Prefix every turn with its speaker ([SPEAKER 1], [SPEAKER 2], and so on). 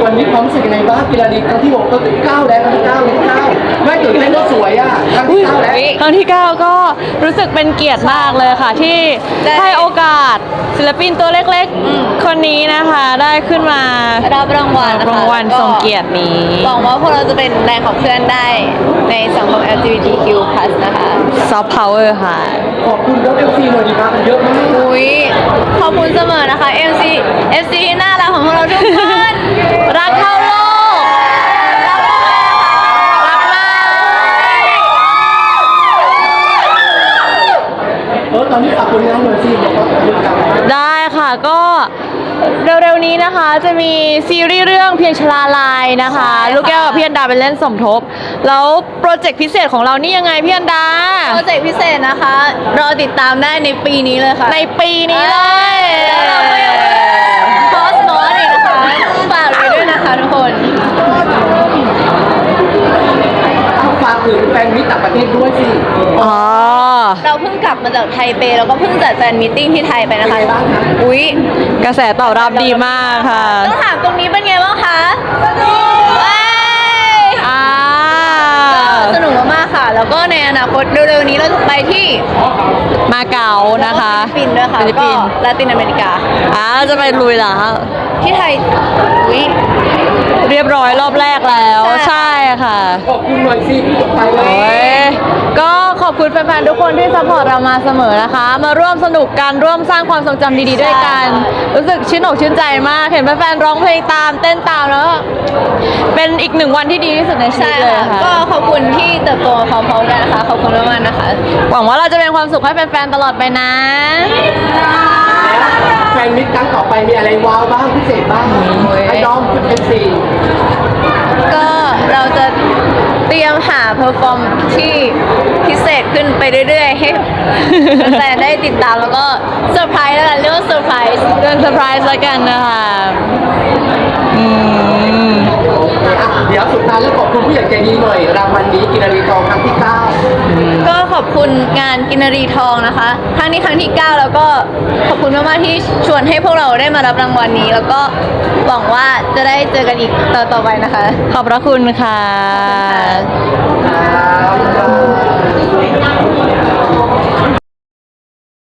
[SPEAKER 1] วันนี้ความรู้สึกยังไงบ้างกีฬาดีครั้งที่6ก็9แล้วครั้งที่9เลย9ไม่ตื่นเต้นก็สวยอ่ะครั้งที่9แล้ว
[SPEAKER 2] ครั้งที่ 9 ก็รู้สึกเป็นเกียรติมากเลยค่ะ ที่ให้โอกาสศิลปินตัวเล็กๆคนนี้นะคะได้ขึ้นมา
[SPEAKER 3] รับรางวัล
[SPEAKER 2] รางวัลทรงเกียรตินี้
[SPEAKER 3] หวังว่าพวกเราจะเป็นแรงขับเคลื่อนได้ในสังคม LGBTQ+ นะคะ
[SPEAKER 2] Soft Power ค่ะ
[SPEAKER 1] ขอบคุณแล้ว FC หน่อยดีมากเยอะมาก
[SPEAKER 3] อุ้ยขอบคุณเสมอนะคะ FC ที่น่ารักของพวกเราทุกคน
[SPEAKER 2] รักเท่าโลกรักมาก
[SPEAKER 1] ตอนนี้ฝากผลงานหน่อยสิบอกว่าเรื่องการ
[SPEAKER 2] ได้ค่ะก็เร็วๆนี้นะคะจะมีซีรีส์เรื่องเพียงชลาลัยนะคะลูกแก้วกับพี่อันดาเป็นเล่นสมทบแล้วโปรเจกต์พิเศษของเรานี่ยังไงพี่อันดา
[SPEAKER 3] โปรเจกต์พิเศษนะคะรอติดตามได้ในปีนี้เลยค่ะ
[SPEAKER 2] ในปีนี้เลย
[SPEAKER 3] แล้วเราก็ยังคอสมอสอีกนะคะฝากไว้ด้วยนะคะทุกคน
[SPEAKER 1] ฝากถึงแฟนมิตรต่างประเทศด้วยสิ
[SPEAKER 3] เราเพิ่งกลับมาจากไทเปแล้วก็เพิ่งจัดแฟนมีตติ้งที่ไทยไปนะคะอุ๊ย
[SPEAKER 2] กระแสตอบรับดีมากค่ะ
[SPEAKER 3] ต้องถามตรงนี้เป็นไงบ้างคะสนุกมากๆค่ะแล้วก็ในอนาคตเร็วๆนี้เราจะไปที่
[SPEAKER 2] มาเก๊านะคะ
[SPEAKER 3] ฟิลิปปินส์ด้วยค่ะแล้วก็ลาตินอเมริกา
[SPEAKER 2] จะไปลุยเหรอ
[SPEAKER 3] ที่ไทยอุ๊ย
[SPEAKER 2] เรียบร้อยรอบแรกแล้วใช่ค่ะ
[SPEAKER 1] ขอบคุณหน่อยสิพี่ตกไป
[SPEAKER 2] เลยก็ขอบคุณแฟนๆทุกคนที่ซัพพอร์ตเรามาเสมอนะคะมาร่วมสนุกกันร่วมสร้างความทรงจำดีๆด้วยกันรู้สึกชื่นอกชื่นใจมากเห็นแฟนๆร้องเพลงตามเต้นตามแล้วเป็นอีก1 วันที่ดีที่สุดในชีวิตเลยค่ะ
[SPEAKER 3] ก็ขอบคุณที่เติบโตพร้อมๆกันนะคะขอบคุณมากๆนะคะ
[SPEAKER 2] หวังว่าเราจะเป็นความสุขให้แฟนๆตลอดไปนะ
[SPEAKER 1] แฟนมิตรครั้งต่อไปมีอะไรว้าวบ้างพิเศษบ้างให้น้องเป็นสี่
[SPEAKER 3] ก็เราจะเตรียมหาเพอร์ฟอร์มที่พิเศษขึ้นไปเรื่อยๆให้แฟนได้ติดตามแล้วก็เซอร์ไพรส์แล้วกันเรียกว่าเซอร์ไพรส์
[SPEAKER 2] เรื่องเซอร์ไพรส์แล้วกันนะคะ
[SPEAKER 1] เดี๋ยวสุดท้ายแล้วขอบคุณผู้ใหญ่ใจดีหน่อยรางวัลนี้กินรีทองครั้งที่9
[SPEAKER 3] ก็ขอบคุณงานกินรีทองนะคะครั้งนี้ครั้งที่9แล้วก็ขอบคุณมากๆที่ชวนให้พวกเราได้มารับรางวัลนี้แล้วก็หวังว่าจะได้เจอกันอีกต่อไปนะคะ
[SPEAKER 2] ขอบพระคุณค่ะ